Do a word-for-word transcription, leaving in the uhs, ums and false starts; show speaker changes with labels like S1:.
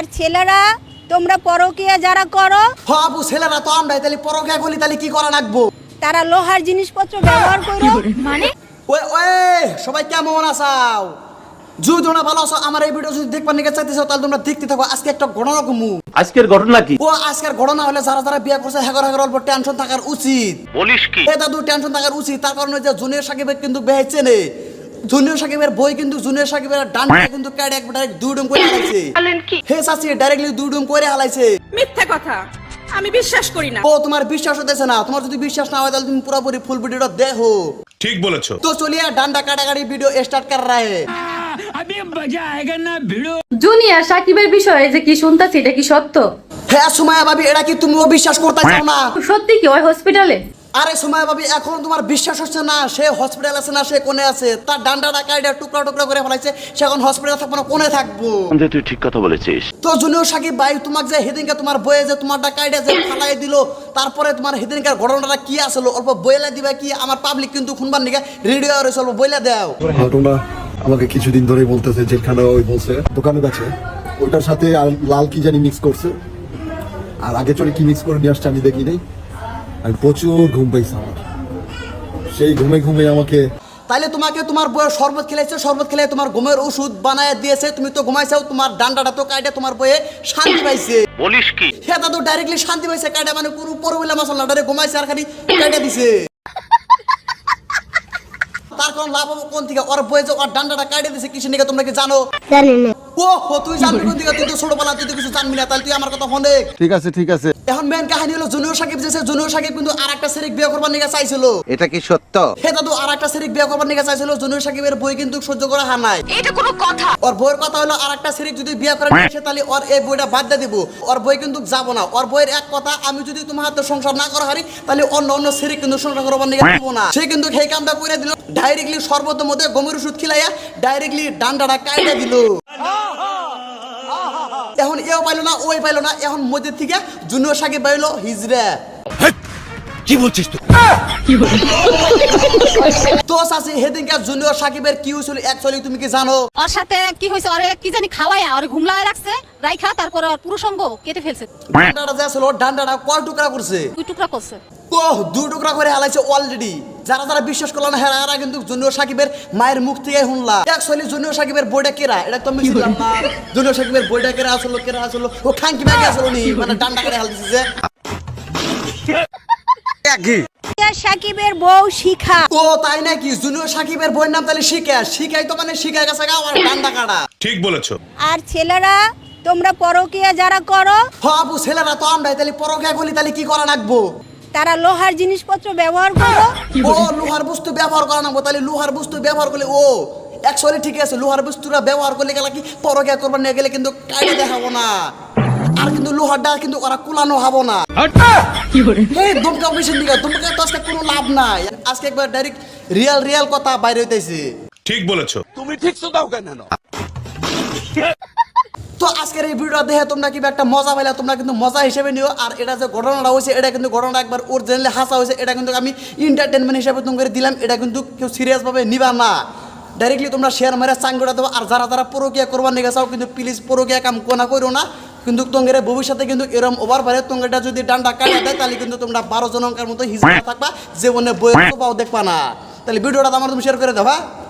S1: আর ছেলেরা তোমরা পরকীয়া যারা করো
S2: হ্যাঁ আপু ছেলেরা তো আমরাই তাহলে পরকীয়া করলি তাহলে কি করা লাগবো?
S1: তারা লোহার জিনিসপত্র ব্যবহার করো মানে
S2: ওই ওই সবাই কেমন আছাও? যদি তোমরা ভালো আছো আমার এই ভিডিও যদি দেখবার নিকে চাইতেছো তাহলে তোমরা দেখতে থাকো। আজকে একটা ঘটনা কমু।
S3: আজকের ঘটনা কি?
S2: ও আজকের ঘটনা হলে যারা যারা বিয়ে করছে হেগর হেগর অল্প টেনশন থাকার উচিত।
S3: বলিস কি?
S2: এ দাদু টেনশন থাকার উচিত। তার কারণে যে জুনিয়র সাকিবের কিন্তু বেহে চেনে। জুনিয়র সাকিবের বই কিন্তু জুনিয়র সাকিবের ডান্ডা কিন্তু কাটে এক ডাইরেক্ট দুই ডুম করে হালাইছে। হে চাচি ডাইরেক্টলি দুই ডুম করে হালাইছে।
S4: মিথ্যা কথা, আমি বিশ্বাস করি না।
S2: ও তোমার বিশ্বাস হতেছে না? তোমার যদি বিশ্বাস না হয় তাহলে তুমি পুরোপুরি ফুল ভিডিওটা দেখো।
S5: ঠিক বলেছো।
S2: তো চলিয়ে ডান্ডা কাটাকাটি ভিডিও স্টার্ট কর রা হে।
S6: জুনিয়র সাকিবের বিষয়ে যে কি শুনতাছি এটা কি সত্য?
S2: হ্যাঁ সুমাইয়া ভাবি এটা কি তুমিও বিশ্বাস করতে চাও না?
S6: সত্যি কি ওই হসপিটালে?
S2: আরে সুমাইয়া ভাবি এখন তোমার বিশ্বাস হচ্ছে না? সে হসপিটাল আছে না সে কোনে আছে? তার ডান্ডাটা কাইডা টুকরা টুকরা করে ফেলাইছে। সে এখন হসপিটাল থাকবো না কোনে থাকবো?
S3: তুই ঠিক কথা বলেছিস।
S2: তো জুনিয়র সাকিব ভাই তোমার যে হেদিনকে তোমার বইয়ে যে তোমারটা কাইডা যে ফালাই দিল তারপরে তোমার হেদিনকার ঘটনাটা কি আসলো অল্প বইলা দিবা কি? আমার পাবলিক কিন্তু শুনবার নিকে রেডি হয়ে রয়েছে, অল্প বইলা দাও।
S7: ঘটনা আমাকে কিছুদিন ধরেই বলতেছে যেখানে ওই বলছে দোকানে গেছে ওইটার সাথে আর লাল কি জানি মিক্স করছে, আর আগে চলে কি মিক্স করে নিয়ে আসছে আমি দেখি নাই। আমি প্রচুর ঘুম পাইছি আমার, সেই ঘুমে ঘুমে আমাকে
S2: তাইলে তোমাকে তোমার বইয়ের শরবত খেলাইছে, শরবত খেলে তোমার ঘুমের ওষুধ বানায় দিয়েছে, তুমি তো ঘুমাইছাও, তোমার ডান্ডাটা তো কাইডা তোমার বইয়ে শান্তি পাইছে।
S3: বলিস কি?
S2: হ্যাঁ দাদু ডাইরেক্টলি শান্তি পাইছে কাইডা, মানে পুরো পরবিলা মশলা ডাইরেক্ট ঘুমাইছে আর খালি কাইডা দিছে। তার কোন লাভ হবে কোন থেকে? ওর বইয়ে যে ওর ডান্ডাটা কাইডা দিছে কিসের নিকে তোমরা কি জানো?
S1: জানি না।
S2: ও হো তুই জানবি কোন দিকে? তুই তো ছোটবেলা তুই তো কিছু জানবি না, তাহলে তুই আমার কথা ফোনে।
S7: ঠিক আছে ঠিক আছে।
S2: এখন মেন কাহিনী হলো জুনিয়র সাকিব যেছে, জুনিয়র সাকিব কিন্তু আরেকটা সেরিক বিয়ে করবার নিকে চাইছিল।
S8: এটা কি সত্য?
S2: হে দাদু আরেকটা সেরিক বিয়ে করবার নিকে চাইছিল। জুনিয়র সাকিবের বই কিন্তু সহ্য করা হয় নাই।
S4: এটা কোনো কথা?
S2: ওর বইয়ের কথা হলো আরেকটা সেরিক যদি বিয়ে করে নিয়ে আসে তাহলে ওর এই বইটা বাদ দিয়ে দিব। ওর বই কিন্তু যাব না। ওর বইয়ের এক কথা, আমি যদি তোমার হাতে সংসার না করা হারি তাহলে অন্য অন্য সেরিক কিন্তু সংসার করবার নিকে দিব না। সে কিন্তু সেই কামটা করে দিল, ডাইরেক্টলি সর্বতের মধ্যে গমের ওষুধ খিলাইয়া ডাইরেক্টলি ডান্ডাটা কাইটা দিল। এখন এও পাইলো না ওই পাইলো না, এখন মধ্যে থেকে জুনিয়র সাকিব পাইলো হিজরা।
S5: কি বলছিস তুই?
S2: তো চাচি হেদিনকার জুনিয়র সাকিবের কি হয়েছিল অ্যাকচুয়ালি তুমি কি জানো?
S9: ওর সাথে কি হয়েছে? ওরে কি জানি খাওয়ায় আর ঘুমলায় রাখছে, রাইখা তারপর ওর পুরুষঙ্গ কেটে ফেলছে।
S2: ডান্ডাটা যে ছিল ডান্ডাটা কয় টুকরা করছে?
S9: দুই টুকরা করছে।
S2: ওহ দুই টুকরা করে হালাইছে অলরেডি। যারা যারা বিশ্বাস করলো না হেরা হেরা কিন্তু জুনিয়র সাকিবের মায়ের মুখ থেকে শুনলা। অ্যাকচুয়ালি জুনিয়র সাকিবের বইটা কেরা এটা তো আমি ছিলাম না। জুনিয়র সাকিবের বইটা কেরা আসলো কেরা আসলো ও খাঙ্কি ব্যাগে আসলো নি, মানে ডান্ডা করে হালতেছে যে
S1: সাকিবের বউ শিখা।
S2: ও তাই নাকি? জুনিয়র সাকিবের বইয়ের নাম তাহলে শিখা। শিখাই তো মানে শিখা গেছে গা আর ডান্ডা কাটা।
S5: ঠিক বলেছো।
S1: আর ছেলেরা তোমরা পরকীয়া যারা করো
S2: হ্যাঁ আপু ছেলেরা তো আমরাই তাহলে পরকীয়া করলি তাহলে কি করা লাগবো?
S1: তারা লোহার জিনিসপত্র ব্যবহার করো।
S2: ও লোহার বস্তু ব্যবহার করা লাগবো, তাহলে লোহার বস্তু ব্যবহার করলে ও অ্যাকচুয়ালি ঠিক আছে। লোহার বস্তুরা ব্যবহার করলে গেলে কি পরকীয়া করবার নিয়ে গেলে কিন্তু কাইডে দেখাবো না, আর কিন্তু লোহারটা কিন্তু ওরা কুলানো হবো না। এই দমকা মেশিন দিকে দমকা তো আজকে কোনো লাভ নাই। আজকে একবার ডাইরেক্ট রিয়েল রিয়েল কথা বাইরে হইতেছে।
S5: ঠিক বলেছো।
S8: তুমি ঠিক তো দাও কেন?
S2: তো আজকের এই ভিডিওটা দেখে তোমরা কি একটা মজা পাইলা, তোমরা কিন্তু মজা হিসেবে নিও। আর এটা যে ঘটনাটা হয়েছে এটা কিন্তু ঘটনাটা একবার অরিজিনালি হাসা হয়েছে, এটা কিন্তু আমি এন্টারটেনমেন্ট হিসেবে তোমাকে দিলাম। এটা কিন্তু কেউ সিরিয়াস ভাবে নিবা না। ডাইরেক্টলি তোমরা শেয়ার মারে চাঙ্গুটা দেবো। আর যারা যারা পরকীয়া করবার নিয়ে চাও কিন্তু প্লিজ পরকীয়া কাম কোনা করো না। কিন্তু তোমাদের ভবিষ্যতে কিন্তু এরকম ওভার পারে তোমাটা যদি ডান্ডা কাটা দেয় তাহলে কিন্তু তোমরা বারো জনকার মতো হিসেবে থাকবা, জীবনে বইয়ের পাও দেখবা না। তাহলে ভিডিওটা আমার তুমি শেয়ার করে দেবা।